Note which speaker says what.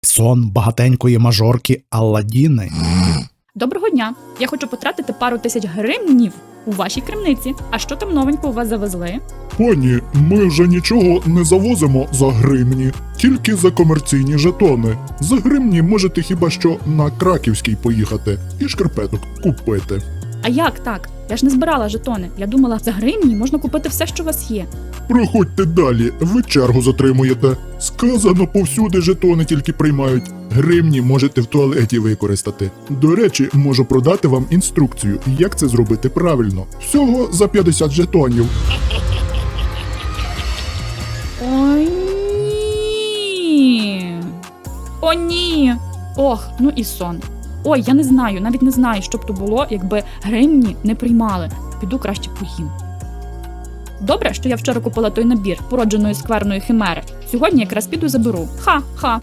Speaker 1: Сон багатенької мажорки Алладіни.
Speaker 2: Доброго дня! Я хочу потратити пару тисяч гривнів у вашій крамниці. А що там новенько у вас завезли?
Speaker 3: Пані, ми вже нічого не завозимо за гривні, тільки за комерційні жетони. За гривні можете хіба що на Краківський поїхати і шкарпеток купити.
Speaker 2: А як так? Я ж не збирала жетони. Я думала, за гривні можна купити все, що у вас є.
Speaker 3: Проходьте далі, ви чергу затримуєте. Сказано, повсюди жетони тільки приймають. Гривні можете в туалеті використати. До речі, можу продати вам інструкцію, як це зробити правильно. Всього за 50 жетонів.
Speaker 2: Ой, ні. О, ні. Ох, ну і сон. Ой, я не знаю, навіть не знаю, що б то було, якби гривні не приймали. Піду краще поїм. Добре, що я вчора купила той набір породженої скверної химери. Сьогодні якраз піду заберу. Ха-ха.